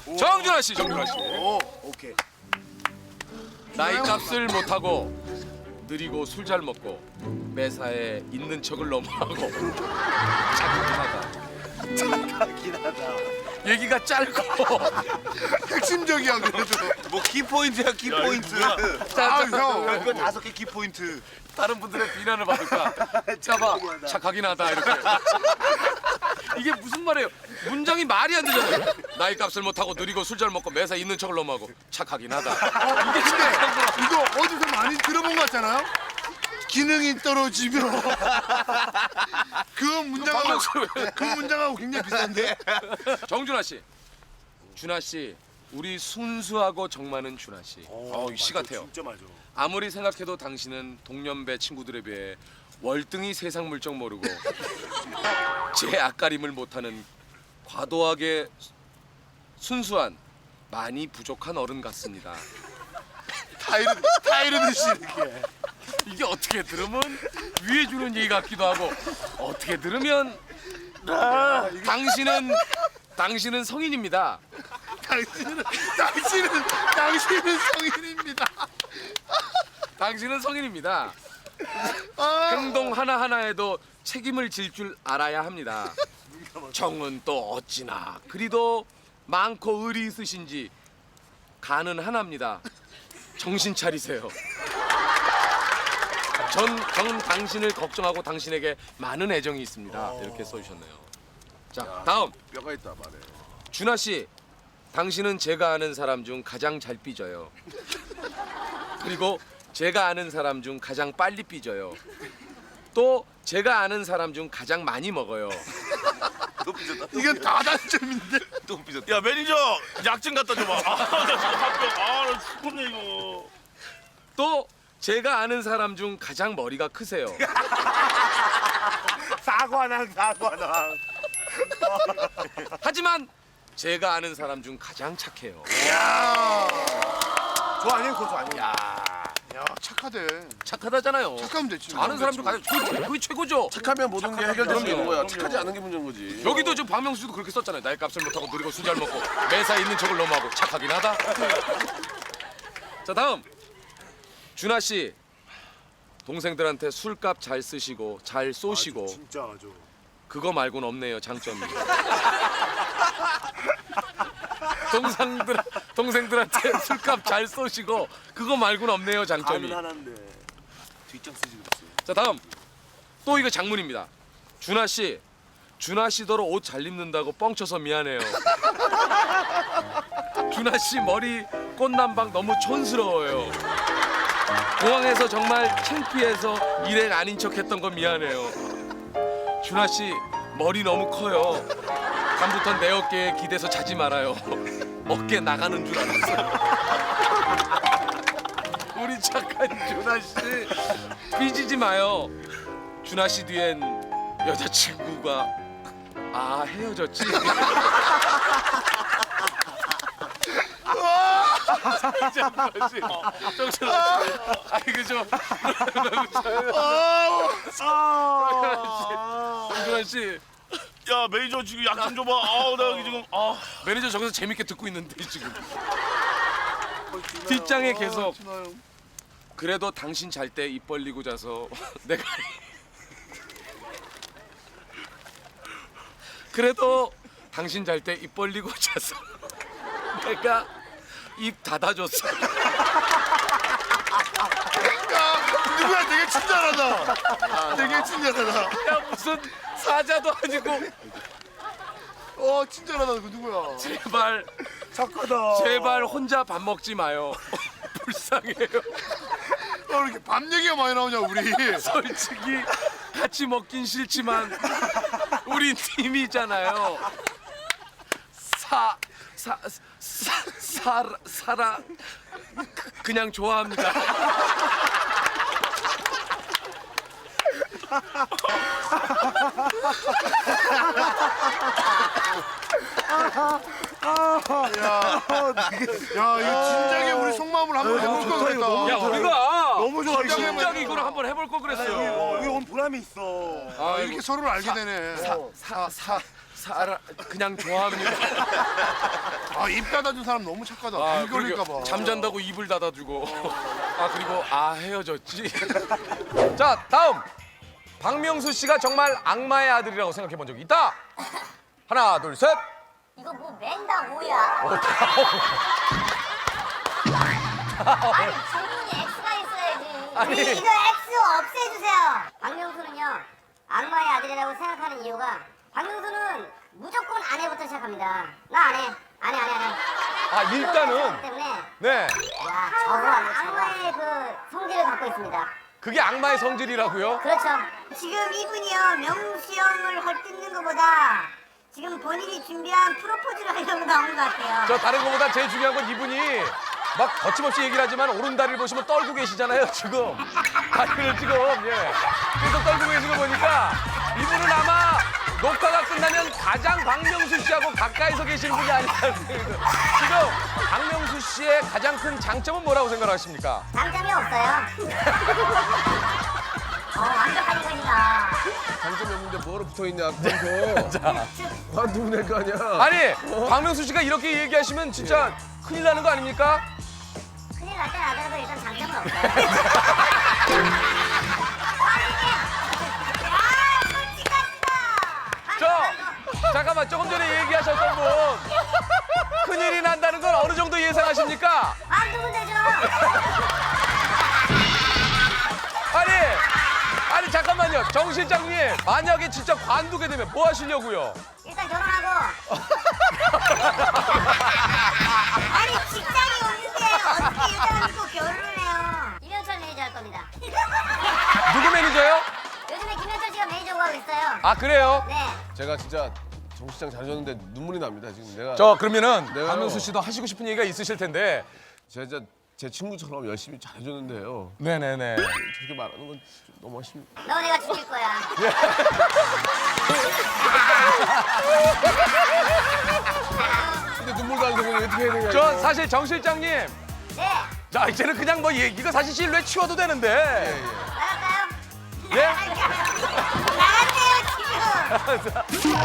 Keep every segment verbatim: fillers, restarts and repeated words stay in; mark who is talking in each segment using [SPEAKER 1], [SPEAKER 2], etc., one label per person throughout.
[SPEAKER 1] 정준하 씨, 정준하 씨.
[SPEAKER 2] 오, 오케이.
[SPEAKER 1] 나이 값을 못하고 느리고 술 잘 먹고 매사에 있는 척을 너무 하고 착하긴 하다.
[SPEAKER 2] 착하긴 하다.
[SPEAKER 1] 얘기가 짧고
[SPEAKER 2] 핵심적이야 그래도.
[SPEAKER 3] 뭐 키포인트야 키포인트.
[SPEAKER 2] 아, 형.
[SPEAKER 3] 별거 다섯 개 키포인트.
[SPEAKER 1] 다른 분들의 비난을 받을까? 자봐, 착하긴 하다 이렇게. 이게 무슨 말이에요? 문장이 말이 안 되잖아요. 나이 값을 못하고 느리고 술 잘 먹고 매사 있는 척을 너무 하고 착하긴 하다. 이게 진짜
[SPEAKER 2] 이거 어디서 많이 들어본 것 같잖아요? 기능이 떨어지면 그 문장하고 그 문장하고 굉장히 비슷한데.
[SPEAKER 1] 정준하 씨, 준하 씨, 우리 순수하고 정 많은 준하 씨. 어, 이 시 같아요.
[SPEAKER 2] 진짜 맞아.
[SPEAKER 1] 아무리 생각해도 당신은 동년배 친구들에 비해 월등히 세상 물정 모르고 제 앞가림을 못하는 과도하게 순수한 많이 부족한 어른 같습니다.
[SPEAKER 2] 타이르 타이르듯이 이렇게.
[SPEAKER 1] 이게 어떻게 들으면 위에 주는 얘기 같기도 하고 어떻게 들으면 아, 당신은 당신은 성인입니다.
[SPEAKER 2] 당신은 당신은 당신은 성인입니다.
[SPEAKER 1] 당신은 성인입니다.
[SPEAKER 2] 아,
[SPEAKER 1] 행동 하나하나에도 책임을 질 줄 알아야 합니다. 정은 또 어찌나 그리도 많고 의리 있으신지 간은 하나입니다. 정신 차리세요. 전, 전 당신을 걱정하고 당신에게 많은 애정이 있습니다. 이렇게 써주셨네요. 자, 다음
[SPEAKER 3] 뼈가 있다 말해.
[SPEAKER 1] 준하 씨, 당신은 제가 아는 사람 중 가장 잘 삐져요. 그리고 제가 아는 사람 중 가장 빨리 삐져요. 또 제가 아는 사람 중 가장 많이 먹어요.
[SPEAKER 3] 또 삐졌다.
[SPEAKER 2] 이게 다 단점인데.
[SPEAKER 3] 또 삐졌다.
[SPEAKER 4] 야 매니저 약 좀 갖다 줘봐. 아나 지금 합격. 아나 죽겠네 이거.
[SPEAKER 1] 또 제가 아는 사람 중 가장 머리가 크세요.
[SPEAKER 2] 사과랑 사과랑.
[SPEAKER 1] 하지만 제가 아는 사람 중 가장 착해요.
[SPEAKER 2] 야. 저 아니에요, 그거 저 아니에요.
[SPEAKER 1] 야,
[SPEAKER 2] 야, 착하대.
[SPEAKER 1] 착하다잖아요.
[SPEAKER 2] 착하면 됐지.
[SPEAKER 1] 아는 사람 중 가장 그게, 그게 최고죠.
[SPEAKER 3] 착하면 모든 게 해결될 수 있는 거야.
[SPEAKER 4] 그럼요.
[SPEAKER 3] 착하지 않은 게 문제인 거지.
[SPEAKER 1] 여기도 지금 박명수도 그렇게 썼잖아요. 나이 값을 못하고 느리고 술 잘 먹고 매사에 있는 척을 너무 하고 착하긴 하다. 자, 다음 준하 씨, 동생들한테 술값 잘 쓰시고 잘 쏘시고
[SPEAKER 2] 진짜 맞아.
[SPEAKER 1] 그거 말고는 없네요, 장점이. 동생들 동생들한테 술값 잘 쏘시고 그거 말고는 없네요, 장점이.
[SPEAKER 2] 하나인데.
[SPEAKER 3] 뒷장 쓰지 그랬어.
[SPEAKER 1] 자, 다음 또 이거 장문입니다. 준하 씨, 준하 씨더러 옷 잘 입는다고 뻥쳐서 미안해요. 준하 씨 머리 꽃남방 너무 촌스러워요. 공항에서 정말 창피해서 일행 아닌 척했던 건 미안해요. 준하 씨 머리 너무 커요. 다음부턴 내 어깨에 기대서 자지 말아요. 어깨 나가는 줄 알았어요. 우리 착한 준하 씨 삐지지 마요. 준하 씨 뒤엔 여자친구가 아 헤어졌지. 정준하 씨, 정준하 씨, 아 이거 좀 정준하 씨,
[SPEAKER 4] 야 매니저 지금 약 좀 줘봐. 아우 나 여기 지금 아.
[SPEAKER 1] 매니저 저기서 재밌게 듣고 있는데 지금 뒷장에 계속 그래도 당신 잘 때 입 벌리고 자서 내가 그래도 당신 잘 때 입 벌리고 자서 내가 입 닫아줬어.
[SPEAKER 2] 누구야, 되게 친절하다. 되게 친절하다.
[SPEAKER 1] 야 무슨 사자도 아니고
[SPEAKER 2] 어, 친절하다. 그 누구야?
[SPEAKER 1] 제발
[SPEAKER 2] 착하다.
[SPEAKER 1] 제발 혼자 밥 먹지 마요. 불쌍해요.
[SPEAKER 2] 어, 이렇게 밥 얘기가 많이 나오냐, 우리.
[SPEAKER 1] 솔직히 같이 먹긴 싫지만 우리 팀이잖아요. 사, 사, 사, 사, 사라 그- 그냥 좋아합니다.
[SPEAKER 2] 야, 이거 진작에 우리 속마음을 한번 해볼 걸 그랬다.
[SPEAKER 1] 야 우리가
[SPEAKER 2] 너무 좋아, 이거.
[SPEAKER 1] 진작 이거를 한번 해볼 걸 그랬어요.
[SPEAKER 2] 이거 오늘 보람이 있어. 아, 이렇게 서로를 알게 되네.
[SPEAKER 1] 사, 사, 사, 사람 그냥 좋아합니다.
[SPEAKER 2] 아, 입 닫아준 사람 너무 착하다.
[SPEAKER 1] 아,
[SPEAKER 2] bil 걸릴까
[SPEAKER 1] 그러게
[SPEAKER 2] 봐.
[SPEAKER 1] 잠잔다고 입을 닫아주고. 아 그리고 아 헤어졌지. 자 다음 박명수 씨가 정말 악마의 아들이라고 생각해 본 적이 있다. 하나 둘 셋.
[SPEAKER 5] 이거 뭐 맨다 뭐야? 아니 질문이 X가 있어야지.
[SPEAKER 1] 아니.
[SPEAKER 5] 이거 X 없애주세요. 박명수는요 악마의 아들이라고 생각하는 이유가 박명수는 무조건 아내부터 시작합니다. 나 안 해. 안 해, 안 해, 안 해.
[SPEAKER 1] 아 일단은
[SPEAKER 5] 때문에
[SPEAKER 1] 네
[SPEAKER 5] 야 저거 악마의 그 성질을 갖고 있습니다.
[SPEAKER 1] 그게 악마의 성질이라고요.
[SPEAKER 5] 그렇죠. 지금 이분이요 명수 형을 헐뜯는 것보다 지금 본인이 준비한 프로포즈를 하려고 나온 것 같아요.
[SPEAKER 1] 저 다른 것보다 제일 중요한 건 이분이 막 거침없이 얘기를 하지만 오른다리를 보시면 떨고 계시잖아요 지금. 다리를 지금 예 계속 떨고 계신 거 보니까 이분은 아마 녹화가 끝나면 가장 박명수 씨하고 가까이서 계시는 분이 아닐까 생각이 들어요. 지금 박명수 씨의 가장 큰 장점은 뭐라고 생각하십니까?
[SPEAKER 5] 장점이 없어요. 어, 완벽한 인간이다.
[SPEAKER 3] 장점이 없는데 뭐로 붙어있냐 그거. 관두면 될 거 아니야.
[SPEAKER 1] 아니 박명수 씨가 이렇게 얘기하시면 진짜 큰일 나는 거 아닙니까?
[SPEAKER 5] 큰일 날 땐 아들도 일단 장점은 없어요. 야, 솔직하시다.
[SPEAKER 1] 저 잠깐만 조금 전에 얘기하셨던 분 큰일이 난다는 건 어느 정도 예상하십니까?
[SPEAKER 5] 안 두면 되죠.
[SPEAKER 1] 아니 아니 잠깐만요 정 실장님 만약에 진짜 관두게 되면 뭐 하시려고요?
[SPEAKER 5] 일단 결혼하고. 아니 직장이 없는데 어떻게 여자가 믿고 결혼을 해요? 김현철 매니저 할 겁니다.
[SPEAKER 1] 누구 매니저요?
[SPEAKER 5] 요즘에 김현철 씨가 매니저고 하고 있어요.
[SPEAKER 1] 아 그래요?
[SPEAKER 5] 네.
[SPEAKER 3] 제가 진짜 정 시장 잘해줬는데 눈물이 납니다 지금. 내가
[SPEAKER 1] 저 그러면은
[SPEAKER 3] 네요.
[SPEAKER 1] 박명수 씨도 하시고 싶은 얘기가 있으실 텐데
[SPEAKER 3] 제가 진짜 제 친구처럼 열심히 잘해줬는데요.
[SPEAKER 1] 네네네
[SPEAKER 3] 저렇게 말하는 건 좀 너무 아쉽니다.
[SPEAKER 5] 너 내가 죽일 거야.
[SPEAKER 3] 근데 눈물 나는 거 어떻게 해야 되냐.
[SPEAKER 1] 저
[SPEAKER 3] 이거.
[SPEAKER 1] 사실 정 실장님
[SPEAKER 5] 네.
[SPEAKER 1] 자 이제는 그냥 뭐 얘기가 사실 실루엣 치워도 되는데
[SPEAKER 5] 나갈까요?
[SPEAKER 1] 예?
[SPEAKER 5] 나갈게요 지금.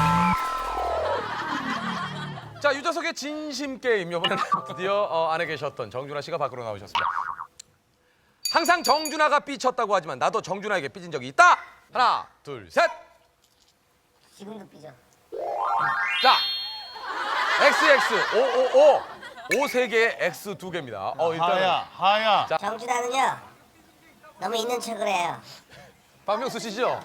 [SPEAKER 1] 자 유재석의 진심 게임 이번에는 드디어 어, 안에 계셨던 정준하 씨가 밖으로 나오셨습니다. 항상 정준하가 삐쳤다고 하지만 나도 정준하에게 삐진 적이 있다. 하나 둘 셋.
[SPEAKER 5] 지금도 삐져.
[SPEAKER 1] 자 엑스엑스 오오오 오 세 개에 X 두 개입니다. 어 일단
[SPEAKER 4] 하야 하야.
[SPEAKER 5] 정준하는요 너무 있는 척을 해요.
[SPEAKER 1] 박명수 씨죠?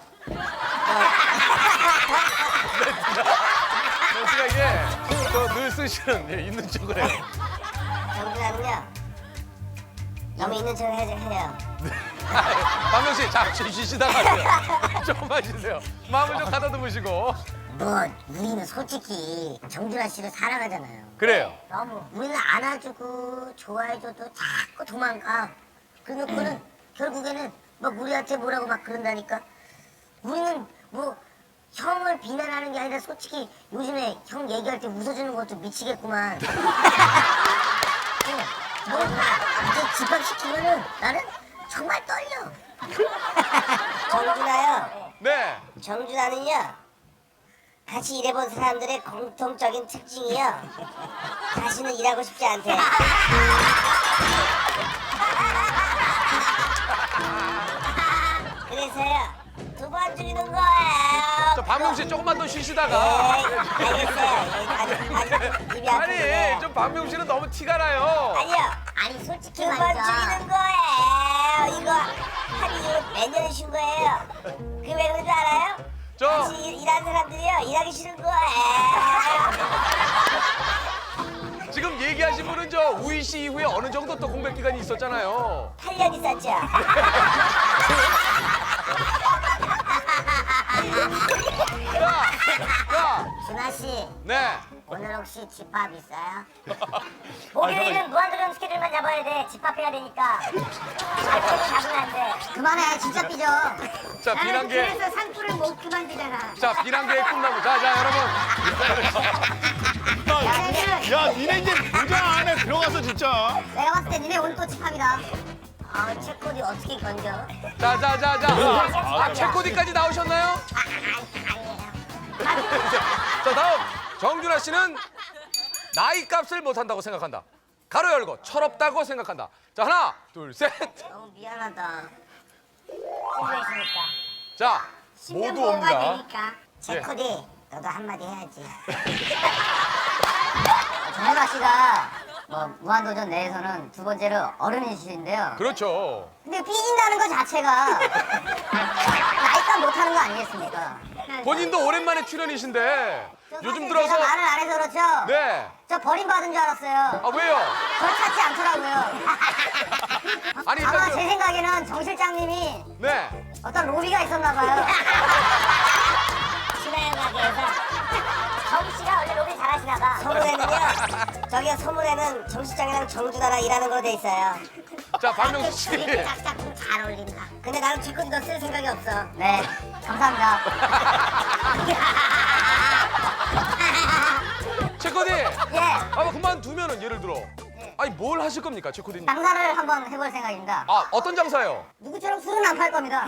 [SPEAKER 1] 멘트가 이게 저늘 쓰시는 예, 있는 척을 해요.
[SPEAKER 5] 정준하는요 너무 있는 척을 해, 해요.
[SPEAKER 1] 박명수 씨 잠시 쉬시다가 하세요. 조금만 쉬세요. 마음을 좀 가다듬으시고.
[SPEAKER 5] 뭐 우리는 솔직히 정준하 씨를 사랑하잖아요.
[SPEAKER 1] 그래요.
[SPEAKER 5] 너무 우리는 안아주고 좋아해줘도 자꾸 도망가. 그놓고는 결국에는 막 우리한테 뭐라고 막 그런다니까. 우리는 뭐 형을 비난하는 게 아니라 솔직히 요즘에 형 얘기할 때 웃어주는 것도 미치겠구만. 뭐 이제 집합시키면은 나는 정말 떨려. 정준하요.
[SPEAKER 1] 네.
[SPEAKER 5] 정준하는요. 같이 일해본 사람들의 공통적인 특징이요. 다시는 일하고 싶지 않대. 그래서요. 두 번 죽이는 거예요.
[SPEAKER 1] 저 박명수 씨 조금만 더 쉬시다가.
[SPEAKER 5] 네, 알겠어요. 아직, 아직 입이 아픈데.
[SPEAKER 1] 아니 좀 박명수 씨는 너무 티가 나요.
[SPEAKER 5] 아니요. 아니 솔직히 말이죠. 두 번 죽이는 거예요. 이거 한 이후 몇 년을 쉰 거예요. 그게 왜 그런지 알아요?
[SPEAKER 1] 저
[SPEAKER 5] 같이 일- 일하는 사람들이요. 일하기 싫은 거예요.
[SPEAKER 1] 지금 얘기하신 분은 저 우희 씨 이후에 어느 정도 또 공백 기간이 있었잖아요.
[SPEAKER 5] 팔 년 있었죠.
[SPEAKER 1] 자, 자,
[SPEAKER 5] 준하 씨,
[SPEAKER 1] 네.
[SPEAKER 5] 오늘 혹시 집합 있어요? 목요일은 무한도전 스케줄만 잡아야 돼. 집합해야 되니까. 잡으면 잡으면 안 돼. 그만해, 진짜 삐져.
[SPEAKER 1] 자, 비난계.
[SPEAKER 5] 그래서 상투를 못 그만두잖아.
[SPEAKER 1] 자, 비난계의 꿈나무. 자, 자, 여러분.
[SPEAKER 5] 야, 니네,
[SPEAKER 4] 야 니네 이제 무장 안에 들어가서 진짜.
[SPEAKER 5] 내가 봤을 때 니네 오늘 또 집합이다. 아, 체코디 어떻게 건져?
[SPEAKER 1] 자, 자, 자, 자. 아, 체코디까지 나오셨나요?
[SPEAKER 5] 아, 아니, 아니에요.
[SPEAKER 3] 자 다음 정준하 씨는 나이 값을 못한다고 생각한다. 가로 열고 철없다고 생각한다. 자 하나 둘 셋.
[SPEAKER 5] 너무 미안하다. 수고했으니까.
[SPEAKER 3] 자
[SPEAKER 5] 십년
[SPEAKER 3] 모두
[SPEAKER 5] 뭐가
[SPEAKER 3] 옵니다.
[SPEAKER 5] 되니까. 제
[SPEAKER 3] 예.
[SPEAKER 5] 코디 너도 한마디 해야지.
[SPEAKER 6] 정준하 씨가 뭐 무한도전 내에서는 두 번째로 어른이신데요.
[SPEAKER 3] 그렇죠.
[SPEAKER 6] 근데 삐진다는 것 자체가 나이값 못하는 거 아니겠습니까?
[SPEAKER 3] 본인도 오랜만에 출연이신데 요즘
[SPEAKER 6] 사실
[SPEAKER 3] 들어서
[SPEAKER 6] 제가 말을 안 해서 그렇죠.
[SPEAKER 3] 네.
[SPEAKER 6] 저 버림받은 줄 알았어요.
[SPEAKER 3] 아 왜요?
[SPEAKER 6] 저 찾지 않더라고요.
[SPEAKER 3] 아니
[SPEAKER 6] 아마
[SPEAKER 3] 일단
[SPEAKER 6] 제 생각에는 정 실장님이
[SPEAKER 3] 그, 네.
[SPEAKER 6] 어떤 로비가 있었나 봐요.
[SPEAKER 5] 신화영 가게에서
[SPEAKER 6] 정 씨가 원래 로비 잘하시나 봐.
[SPEAKER 5] 소문에는요. 저기요 소문에는 정시장이랑 정준하랑 일하는 걸로 돼 있어요.
[SPEAKER 3] 자 박명수 씨.
[SPEAKER 5] 이렇게 짝짝 잘 어울린다. 근데 나는 제 코디 너 쓸 생각이 없어.
[SPEAKER 6] 네, 감사합니다.
[SPEAKER 3] 최코디.
[SPEAKER 6] 예,
[SPEAKER 3] 아 그만두면은 예를 들어. 아니 뭘 하실 겁니까 최코디님?
[SPEAKER 6] 장사를 한번 해볼 생각입니다.
[SPEAKER 3] 아 어떤 장사예요?
[SPEAKER 6] 누구처럼 술은 안 팔 겁니다.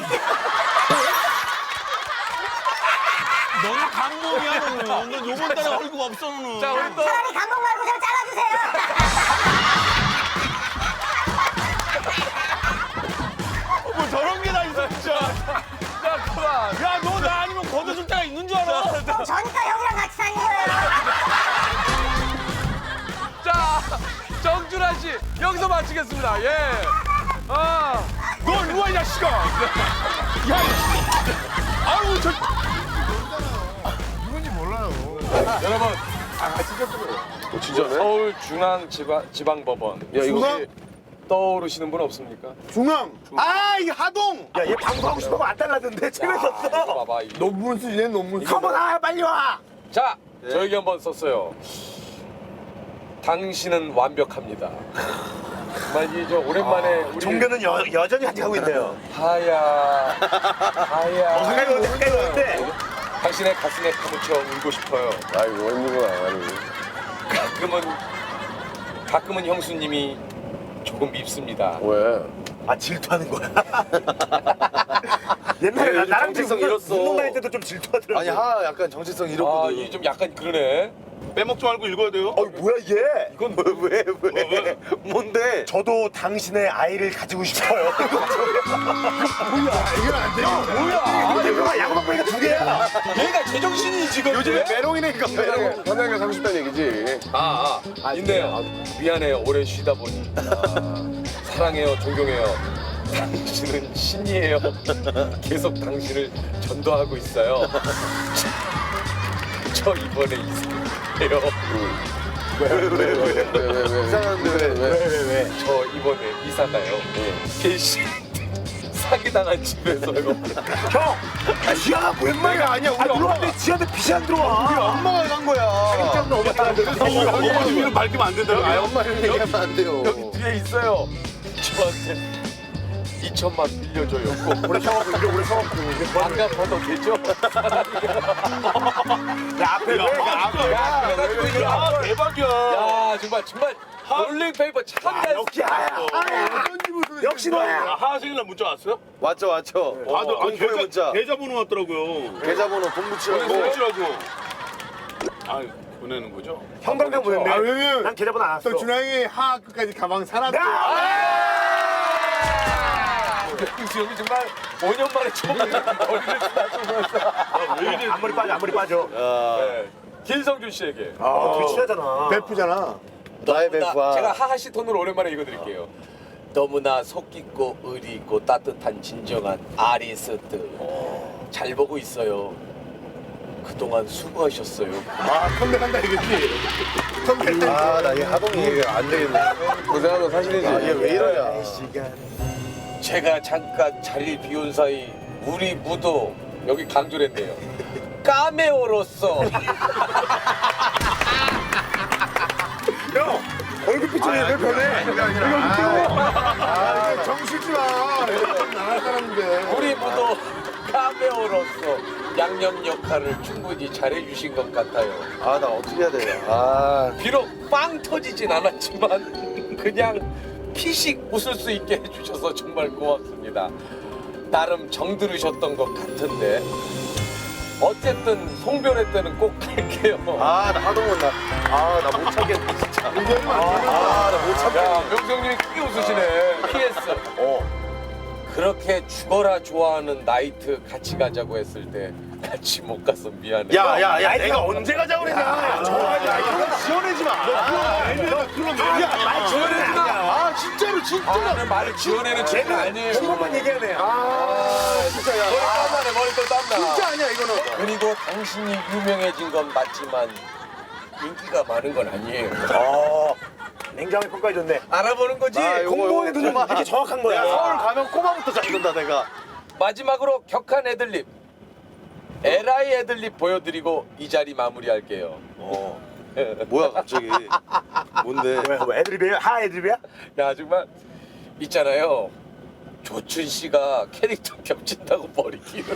[SPEAKER 4] 너는 강봉이야 너는. 너 요번 달에 월급 없어 너는.
[SPEAKER 3] 자 우리 또
[SPEAKER 6] 차라리 감독 말고 좀 잘라주세요.
[SPEAKER 4] 뭐 저런 게 다 있어 진짜.
[SPEAKER 3] 자 그만.
[SPEAKER 4] 야 너 나 아니면 걷어줄 때가 있는 줄 알아?
[SPEAKER 6] 저니까 형이랑 같이 다닌 거예요.
[SPEAKER 3] 자 정준하 씨 여기서 마치겠습니다. 예. 아.
[SPEAKER 4] 너 일로 와 이 자식아. 야. 아유 저.
[SPEAKER 2] 누군지 몰라요.
[SPEAKER 1] 여러분
[SPEAKER 3] 아 진짜 진짜네.
[SPEAKER 1] 서울 중앙 지방 지방법원
[SPEAKER 3] 야 이거
[SPEAKER 2] 중앙?
[SPEAKER 1] 떠오르시는 분 없습니까?
[SPEAKER 2] 중앙. 아, 이 하동.
[SPEAKER 7] 야, 얘 방송하고 싶으면 안 달라던데 재밌었어.
[SPEAKER 1] 이거 봐봐. 이거.
[SPEAKER 2] 논문 쓰지네, 논문.
[SPEAKER 7] 한번 와, 빨리 와.
[SPEAKER 1] 자 저에게 한번 썼어요. 당신은 완벽합니다. 정말 이저 오랜만에 우리
[SPEAKER 7] 종교는 여, 여전히 아직 하고 있네요.
[SPEAKER 1] 하야 하야
[SPEAKER 7] 가까이 오는데, 가까이 오는데.
[SPEAKER 1] 당신의 가슴에 파묻혀 울고 싶어요.
[SPEAKER 3] 아이고 웬일이야 아니.
[SPEAKER 1] 가끔은 가끔은 형수님이 조금 밉습니다.
[SPEAKER 3] 왜?
[SPEAKER 7] 아, 질투하는 거야. 옛날에 나, 나랑
[SPEAKER 1] 정체성
[SPEAKER 7] 운동-
[SPEAKER 1] 잃었어.
[SPEAKER 7] 운동 다닐 때도 좀 질투하더라고.
[SPEAKER 3] 아니 하 약간 정체성
[SPEAKER 1] 아,
[SPEAKER 3] 잃었거든.
[SPEAKER 1] 이 좀 약간 그러네.
[SPEAKER 4] 빼먹지 말고 읽어야 돼요.
[SPEAKER 7] 어, 뭐야 얘? 이건 왜, 왜, 왜?
[SPEAKER 4] 왜?
[SPEAKER 7] 뭔데? 저도 당신의 아이를 가지고 싶어요.
[SPEAKER 2] 이건 안 돼요.
[SPEAKER 7] 뭐야? 대표가 야구방 보니까 두 개야.
[SPEAKER 1] 얘가 제정신이 지금
[SPEAKER 7] 요즘에 메롱이니까 메롱.
[SPEAKER 3] 현장에 사고 싶다는 얘기지.
[SPEAKER 1] 아, 아, 있네요. 미안해요. 오래 쉬다 보니. 아, 사랑해요. 존경해요. 당신은 신이에요. 계속 당신을 전도하고 있어요. 저 이번에 이사해요.
[SPEAKER 3] 왜왜왜왜왜
[SPEAKER 7] 이상한데 왜, 왜, 왜, 왜?
[SPEAKER 1] 저 이번에 이사 가요. 계시 사기당한 집에서요.
[SPEAKER 7] 형! 아, 지하가 웬말이야 아니야. 우리 엄마한테 지하한테 빛이 안 들어와. 우리 엄마가 간 거야. 엄마
[SPEAKER 4] 어머니를 밝히면 안 된다고.
[SPEAKER 3] 아 엄마를 얘기하면 안 돼요.
[SPEAKER 1] 여기 뒤에 있어요. 저한테 이천만 빌려줘요. 꼭
[SPEAKER 7] 오래 참았고 이제 오래 참았고.
[SPEAKER 1] 안 갚아도 되죠?
[SPEAKER 7] 야, 앞에 왜?
[SPEAKER 4] 야,
[SPEAKER 1] 그래가지고 이거
[SPEAKER 4] 야, 대박이야.
[SPEAKER 1] 야 정말 정말 롤링페이퍼 참
[SPEAKER 7] 아,
[SPEAKER 1] 잘.
[SPEAKER 7] 역시 하야.
[SPEAKER 2] 어떤 집을
[SPEAKER 7] 역시 너야.
[SPEAKER 4] 하하생이나 문자 왔어요?
[SPEAKER 3] 왔죠 왔죠.
[SPEAKER 4] 다들 아,
[SPEAKER 3] 공포의
[SPEAKER 4] 계좌,
[SPEAKER 3] 문자.
[SPEAKER 4] 계좌번호 왔더라고요.
[SPEAKER 3] 계좌번호 본부치라고.
[SPEAKER 4] 뭐지라고? 아 보내는 거죠?
[SPEAKER 7] 형광등 보냈네.
[SPEAKER 2] 아, 왜냐면
[SPEAKER 7] 난 계좌번호 안 왔어.
[SPEAKER 2] 또 준항이 하하 끝까지 가방 사놨대.
[SPEAKER 1] 윤수 형이 정말 오 년 만에 처음 머리를 쓰다듬으면서
[SPEAKER 4] 왜 이래?
[SPEAKER 7] 앞머리 빠져, 앞머리 빠져.
[SPEAKER 1] 네. 김성준 씨에게
[SPEAKER 7] 아, 되게 친하잖아.
[SPEAKER 2] 베프잖아.
[SPEAKER 3] 나의
[SPEAKER 1] 너무나-
[SPEAKER 3] 베프와.
[SPEAKER 1] 제가 하하 씨 톤으로 오랜만에 읽어드릴게요. 너무나 속 깊고 의리 있고 따뜻한 진정한 아리스트 잘 보고 있어요. 그동안 수고하셨어요.
[SPEAKER 2] 아, 컴백한다 이거지. 컴백.
[SPEAKER 3] 아, 나 이 하동이 안 되겠네. 고생하면 사실이지. 아, 얘 왜 이러냐.
[SPEAKER 1] 제가 잠깐 자리를 비운 사이 우리 무도 여기 강조를 했네요. 까메오로서
[SPEAKER 7] 형, 얼굴 표정이 왜 변해?
[SPEAKER 2] 아, 정실지 마. 나갈 사람인데.
[SPEAKER 1] 우리 무도 카메오로서 양념 역할을 충분히 잘해주신 것 같아요.
[SPEAKER 3] 아, 나 어떻게 해야 돼? 아,
[SPEAKER 1] 비록 빵 터지진 않았지만 그냥 피식 웃을 수 있게 해주셔서 정말 고맙습니다. 나름 정들으셨던 것 같은데
[SPEAKER 3] 어쨌든 송별회 때는 꼭 갈게요.
[SPEAKER 7] 아, 나 하동은 나, 아, 나 못 참겠네, 진짜. 아, 나 못 참겠네.
[SPEAKER 3] 야, 명성님이 크게 웃으시네. 피에스.
[SPEAKER 7] 어.
[SPEAKER 3] 그렇게 죽어라 좋아하는 나이트 같이 가자고 했을 때 같이 못 가서 미안해.
[SPEAKER 7] 야, 야, 야, 내가 언제 가자고 그랬냐. 정말, 야, 이거 지어내지 마. 야, 말 지어내지 마. 아, 진짜로,
[SPEAKER 3] 아,
[SPEAKER 7] 진짜로.
[SPEAKER 3] 나는 말을 지어내는 친구 아니에요.
[SPEAKER 7] 한 번만 얘기하네. 아, 진짜, 야.
[SPEAKER 3] 머리 땀나네, 머리 또 땀나.
[SPEAKER 7] 진짜 아니야, 이거는.
[SPEAKER 3] 그리고 당신이 유명해진 건 맞지만 인기가 많은 건 아니에요.
[SPEAKER 7] 어, 냉정하게 평가해줬네.
[SPEAKER 3] 알아보는 거지.
[SPEAKER 7] 공무원의 눈은 이렇게 정확한 거야. 서울 가면 꼬마부터 잡는다, 내가.
[SPEAKER 3] 마지막으로 격한 애들립. 에라이 애들립 보여드리고 이 자리 마무리할게요.
[SPEAKER 7] 어. 뭐야, 갑자기. 뭔데? 뭐 애드립이야? 하 애드립이야?
[SPEAKER 3] 야, 정말 있잖아요. 조춘 씨가 캐릭터 겹친다고 머리 기르네요.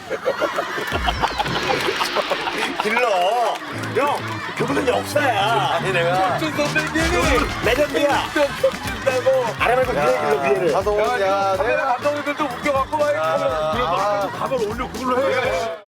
[SPEAKER 7] 길러. 형, 그분은 역사야. 아니, 내가.
[SPEAKER 3] 조춘 선배님이
[SPEAKER 7] 레전드야.
[SPEAKER 3] 캐릭터 겹친다고.
[SPEAKER 7] 아래말고 위에 길러, 위에를. 하동원,
[SPEAKER 3] 야, 카메라 감독님들도 웃겨갖고 막 이렇게 하면
[SPEAKER 7] 아,
[SPEAKER 2] 가발 올려 그걸로 해.